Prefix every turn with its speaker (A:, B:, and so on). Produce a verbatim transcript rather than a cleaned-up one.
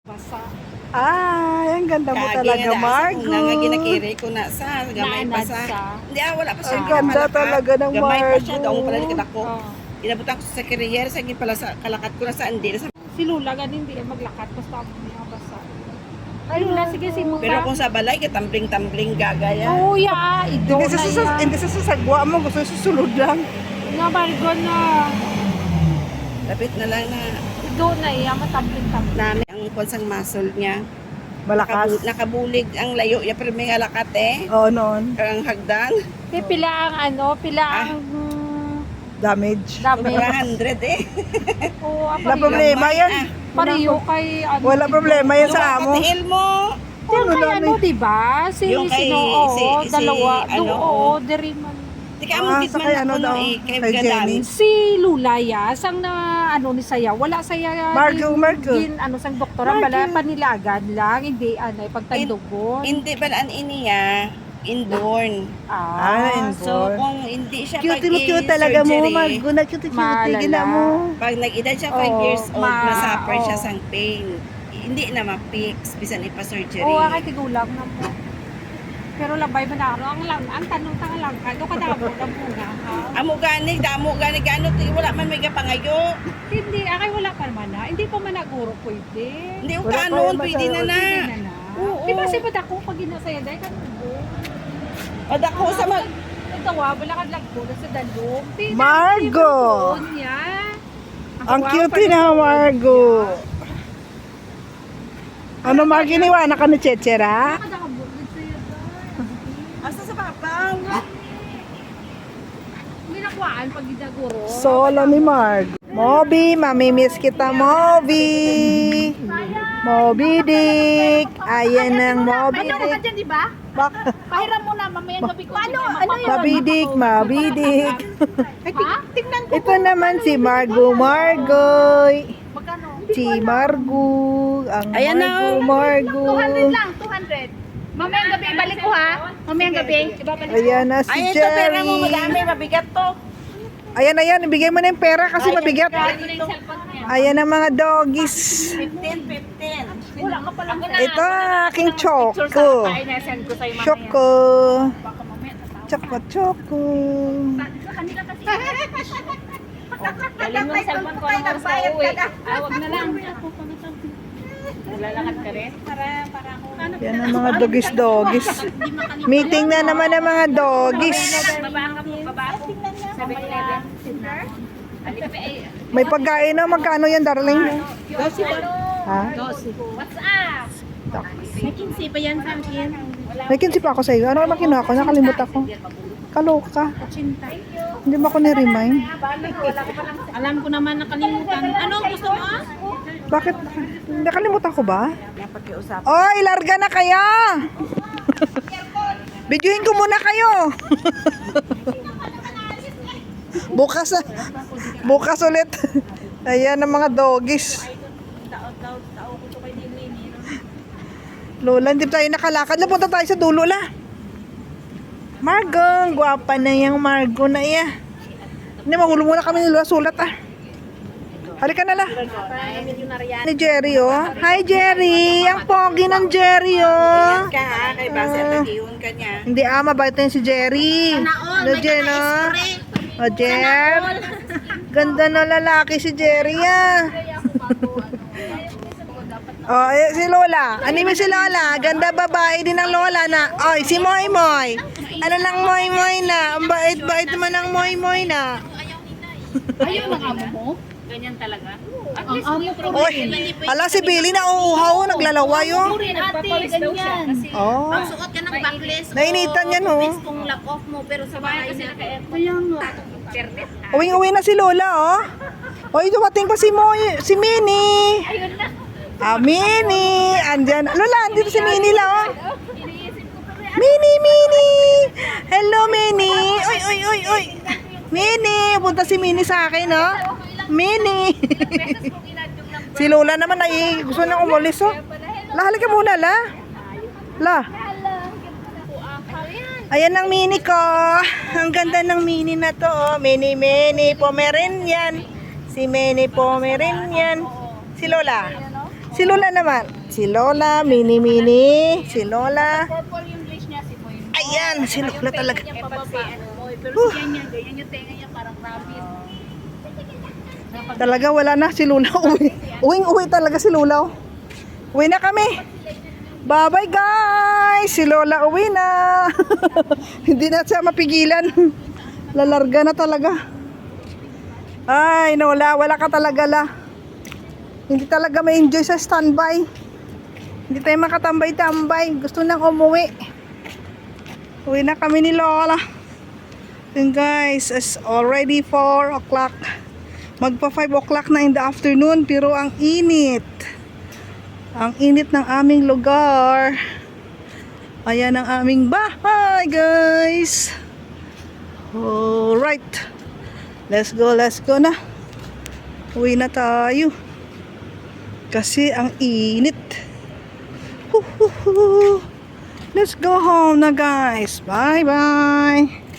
A: Basa.
B: Ay, ang ganda mo
C: Kaagi
B: talaga,
C: nga na,
B: Margo.
C: Una nga ginakiri ko na sa gamay pa
A: Naanad
C: sa.
A: sa.
C: Hindi ah, wala pa siya.
B: Ang ganda
C: Kalaka.
B: talaga ng
C: Gamay pa siya,
B: Margo.
C: daong pala ni kadako.
A: Oh.
C: Inabutan ko sa career, sa pala sa kalakat ko na sa andi. Sa,
A: Si Lula ganin hindi maglakat basta ako niya basa. Ay Lula sige si Muta.
C: pero kung sa balay, katambling-tambling gagaya.
A: Oh ya, ido
B: Hindi
A: na
B: sa, sa,
A: ya.
B: hindi sa sasagwa mo, gusto susunod lang.
A: Nga Margo na.
C: Lapit na lang na
A: Ido na iya matabling-tabling.
C: namin ang konsang muscle niya.
B: Malakas.
C: Nakabu- nakabulig ang layo niya, pero may halakat eh.
B: Oo, noon.
C: Ang hagdan.
A: Kaya pila ang ano, pila
C: Ah.
A: ang mm,
B: Damage.
A: dami.
C: Sobra hundred eh.
A: Oo,
B: Wala
A: apariyo.
B: problema
C: Gamay,
B: yan.
C: ah.
A: Pariyo kay ano.
B: Wala problema yan sa amo.
C: Katiil mo.
A: Yung
B: Sino
A: kay
B: na-
A: ano, di ba? Si
C: Yung kay-
A: sino, oo,
C: si- si-
A: dalawa.
C: ano,
A: do, oo, diri man.
C: Di ka
B: Ah,
C: mo
B: sa
C: man
B: kay
C: ako
B: ano
C: no
B: daw?
C: eh. Kay
B: Kay
C: Gadan.
B: Jenny.
A: Si Lula ya, sang na ano ni saya, wala saya
B: Margo,
A: din-
B: Margo.
A: din ano sang doktor ang bala panilagan lang, hindi ano pagtandugon.
C: Hindi ba an iniya? Inborn.
B: Ah,
C: So,
B: inborn.
C: kung hindi siya
B: Cute mo, cute
C: pag-i-surgery,
B: talaga mo, Margo. Na cute, cute.
A: Malala.
B: Gina mo.
C: pag nag-edad siya five
A: Oo,
C: years old,
A: ma-
C: masuffer siya
A: oo.
C: sang pain. Hindi na ma-fix, bisan ipa-surgery.
A: Oo, akay tigulang na mo. Pero labay ba na ano, ang lang, ang tanong tanga lang, ano ka na mo na muna, ha?
C: Amo gani, damo gani, gano, wala man may kapangayo.
A: Hindi, akay wala pa naman na, hindi pa man naguro pwede.
C: Hindi ko
B: Wala pa
C: kanon,
B: yung
C: pwede na na.
A: Hindi na na.
C: Oo.
A: Di ba si Badako pag ginasaya dahil ka
C: Pad ako sa mag...
A: Ito wa, wala ka lang po sa dalong. Tina,
B: Margo!
A: hindi mo niya.
B: Ang cute na, Margo. Ano, Margo, iniwanan ka ni Chechera?
A: Nakadakabugod sa'yo dahil.
C: Asa sa papaw?
A: Hindi nakuhaan pag ginaguro.
B: Solo ni Margo. Moby, mamimiss kita, Moby. Moby Dick. Ayan ang Moby
D: Ano ka
B: Dick.
D: dyan, di ba?
B: Bak
D: Pahiram mo na, mamayang gabi ko. Ano? Ano yun?
B: Moby Dick, Moby Dick.
D: Ha? Tingnan ko.
B: Ito naman si Margo Margoy.
D: Magkano?
B: Si Margo. Ang
C: Ayan na,
B: Margo
C: oh.
B: Margo.
D: two hundred lang, two hundred. Mamayang gabi, balik ko ha. Mamayang gabi. Ibabalik.
B: Ayan na si
C: Ay, ito pera mo,
B: Jerry.
C: madami, mabigat to.
B: Ayan, ayan. Ibigay mo na yung pera kasi mabigat.
D: Ano na yung cellphone niya?
B: Ayan ang mga doggies.
C: fifteen, fifteen.
D: Wala ka palang
B: Ito ang aking choco.
D: Ay, na-send ko sa'yo mamaya.
B: Choco.
D: Baka mamaya tatawa.
B: Choco, choco.
D: Sa kanila kasi. Galing mo yung cellphone ko ng oras na uwi. Ah, wag na lang. Naglalakad ka rin? Para, para ako.
B: Yan ang mga doggies, doggies. Meeting na naman ang mga doggies.
D: Baba ka po, baba ako. seven eleven.
B: May pagkain na. Magkano yan, darling? Ha?
D: What's up? May kinsi ba yan sa akin?
B: May kinsi pa ako sa iyo. Ano ba kinuha ko? Nakalimutan ko. Kaloka. Hindi mo ako ni-remind.
D: Alam ko naman nakalimutan. Ano ang gusto mo?
B: Bakit? Nakalimutan ko ba? Oy, larga na kaya! Bidyuhin ko muna kayo. Bukas na. Bukas ulit. Ayan ang mga doggies. Lola, hindi tayo nakalakad. Lapunta tayo sa dulo la. Margo, ang gwapa na yung Margo na iya. Hindi, magulo muna kami ni Lola sulat ah. Halika na la. Ni Jerry oh. Hi Jerry. Ang pogi ng Jerry oh.
C: Ka ha, kay base at nag-iwan ka niya.
B: Hindi ah, mabait na yun si Jerry. Ano Jen oh. O Jer. Ganda na lalaki si Jerry ah. Oh, eh, si Lola. Anime si Lola. Ganda babae din ang Lola na. Oy, si Moy Moy. Ano lang Moy Moy na? Ang bait-bait naman ng Moy Moy na.
D: Ayaw ng amo mo? Ganyan talaga? At least ang amo ko.
B: Oy, ala si Billy na uuhaw, naglalawa yun.
D: Rin ate, ganyan.
B: Oh,
D: Suot ka ng backless.
B: nainitan yan oh.
D: Kung lock off mo, pero sa bahay na. Kaya nga. Kernet.
B: Uwing-uwi na si Lola oh. Oy, dumating pa si Moy, si Minnie.
D: Ayun na.
B: Ah, Minnie. Andyan. Lola, andito si Minnie la oh.
D: Iniisip ko pa rin.
B: Minnie, Minnie. Hello, Minnie. Oy, oy, oy, oy. Minnie, punta si Minnie sa akin oh. Minnie.
D: Beses kong inadyong ng
B: Si Lola naman ay gusto niya umalis oh. La, halika muna la. La. Ayan ang mini ko. Ang ganda ng mini na to oh. Mini, mini, Pomeranian. Si Mini Pomeranian. Si Lola. Si Lola naman. Si Lola, mini-mini. Si Lola.
D: Purple yung leash niya, si Moy.
B: Ayan, si Lola talaga.
D: Yung pababa, ano, Moy. Pero
B: Huh.
D: ganyan, ganyan yung tenga niya, parang rabbit.
B: Talaga wala na si Lola. Uwi. Uwing uwi talaga si Lola. oh. Uwi na kami. Bye-bye guys. Si Lola uwi na. Hindi na siya mapigilan. Lalarga na talaga. Ay, Lola, wala ka talaga la. Hindi talaga may enjoy sa standby. Hindi tayo makatambay-tambay. Gusto nang umuwi. Uwi na kami ni Lola. And guys, it's already four o'clock. Magpa five o'clock na in the afternoon. Pero ang init. Ang init ng aming lugar. Ayan ang aming bahay, guys. Alright. Let's go, let's go na. Uwi na tayo. Kasi ang init. Let's go home na, guys. Bye-bye.